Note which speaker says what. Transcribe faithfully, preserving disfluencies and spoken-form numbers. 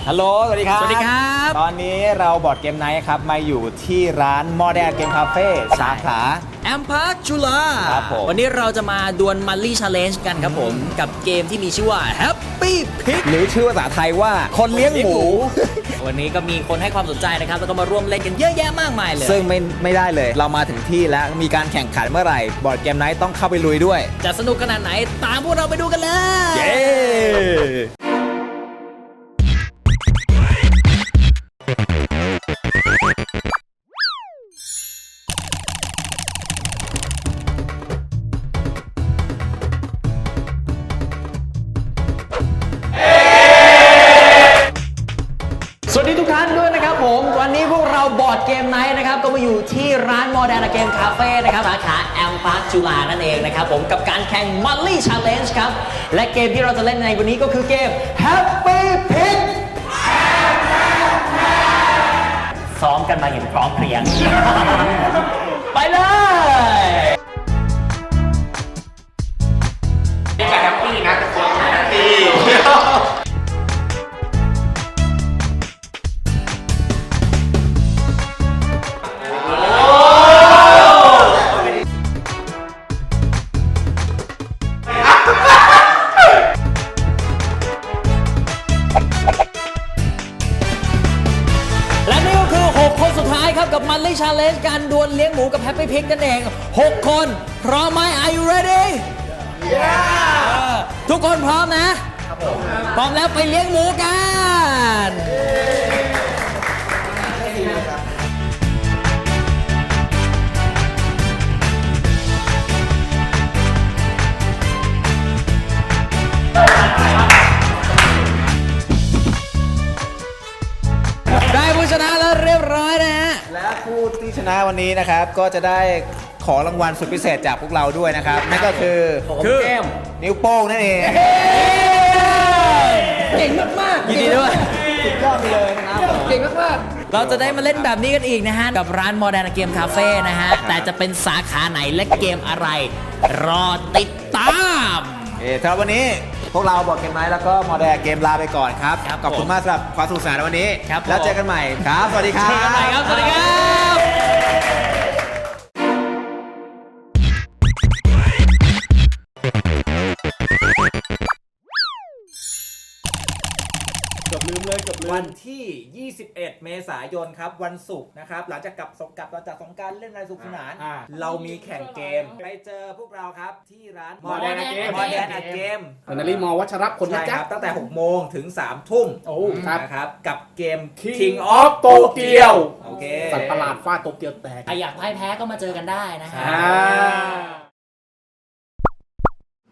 Speaker 1: ฮัลโหลสวัสดีครับ
Speaker 2: สวัสดีครับ
Speaker 1: ตอนนี้เราบอร์ดเกมไนท์ครับมาอยู่ที่ร้าน Modern Game Cafe สาขา
Speaker 2: แอมพาร์คจุฬา
Speaker 1: ครับผม
Speaker 2: วันนี้เราจะมาดวลมัลลี่ชาเลนจ์กันครับผม กับเกมที่มีชื่อว่า Happy Pig
Speaker 1: หรือชื่อภาษาไทยว่าคนเลี้ยงหมู
Speaker 2: วันนี้ก็มีคนให้ความสนใจนะครับ แล้วก็มาร่วมเล่นกันเยอะแยะมากมายเลย
Speaker 1: ซึ่งไม่ไม่ได้เลย เรามาถึงที่แล้วมีการแข่งขันเมื่อไหร่บอร์ดเกมไนท์ต้องเข้าไปลุยด้วย
Speaker 2: จะสนุกขนาดไหนตามพวกเราไปดูกันเลย
Speaker 1: เย้
Speaker 2: สวัสดีทุกท่านด้วยนะครับผม วันนี้พวกเราบอร์ดเกมไนท์นะครับก็มาอยู่ที่ร้าน Modern Game Cafe นะครับสาขาแอมพาร์คจุฬานั่นเองนะครับผมกับการแข่ง Mully Challenge ครับ และเกมที่เราจะเล่นในวันนี้ก็คือเกม Happy Pig ซ้อมกันมาอย่างพร้อมเพรียง ไปเลย
Speaker 3: นี่ก็แฮปปี้นะทุกคนแฮปปี้
Speaker 2: และนี่ก็คือ หก คนสุดท้ายครับกับ Mully Challenge การดวลเลี้ยงหมูกับ Happy Pig นั่นเอง หก คนพร้อมไหม Are you ready yeah ทุกคนพร้อมนะพร้อมแล้วไปเลี้ยงหมูกันได้ผู้ชนะแล้วเรียบร้อยนะฮะ
Speaker 1: และผู้ที่ชนะวันนี้นะครับก็จะได้ของรางวัลสุดพิเศษจากพวกเราด้วยนะครับ นั่นก็คือ
Speaker 2: คือ
Speaker 1: นิ้วโป้งนั่นเอง
Speaker 2: เก่งมากๆยินดีด้วย
Speaker 1: สุดยอดไปเลยนะครับผม
Speaker 2: เก่งมากๆเราจะได้มาเล่นแบบนี้กันอีกนะฮะ กับร้าน Modern Game Cafe นะฮะ แต่จะเป็นสาขาไหนและเกมอะไร รอติดตาม
Speaker 1: เออสำหรับวันนี้พวกเราบอร์ดเกมไนท์แล้วก็ Modern Game ลาไปก่อนครับ
Speaker 2: ครับ
Speaker 1: ขอบคุณมากสำหรับความสนุกสนานในวันนี้
Speaker 2: ครับผม
Speaker 1: แล้วเจอกันใหม่ครับ สวัสดีครับ
Speaker 2: เจอกันใหม่ครับ สวัสดีครับ
Speaker 1: วันที่ ยี่สิบเอ็ด เมษายนครับ วันศุกร์นะครับ หลังจากกลับสงกลับมาจากสงกรานต์เล่นอะไรสนุกสนาน เรามีแข่งเกม ไปเจอพวกเราครับที่ร้าน
Speaker 3: Modern Game
Speaker 1: Modern Game
Speaker 3: อนาลีมอวัชรพลนะ
Speaker 1: ใช่
Speaker 3: จ๊ะ
Speaker 1: ครับตั้งแต่ หก โมงถึง สาม ทุ่ม
Speaker 3: โอ้ครับ
Speaker 1: นะครับ กับเกม
Speaker 3: King
Speaker 1: King
Speaker 3: of
Speaker 1: of
Speaker 3: Tokyo
Speaker 1: โอเค
Speaker 3: สัตว์ประหลาดฟาดโตเกียวแตก
Speaker 2: ใครอยากพ่ายแพ้ก็มาเจอกันได้นะฮะ
Speaker 3: อ่า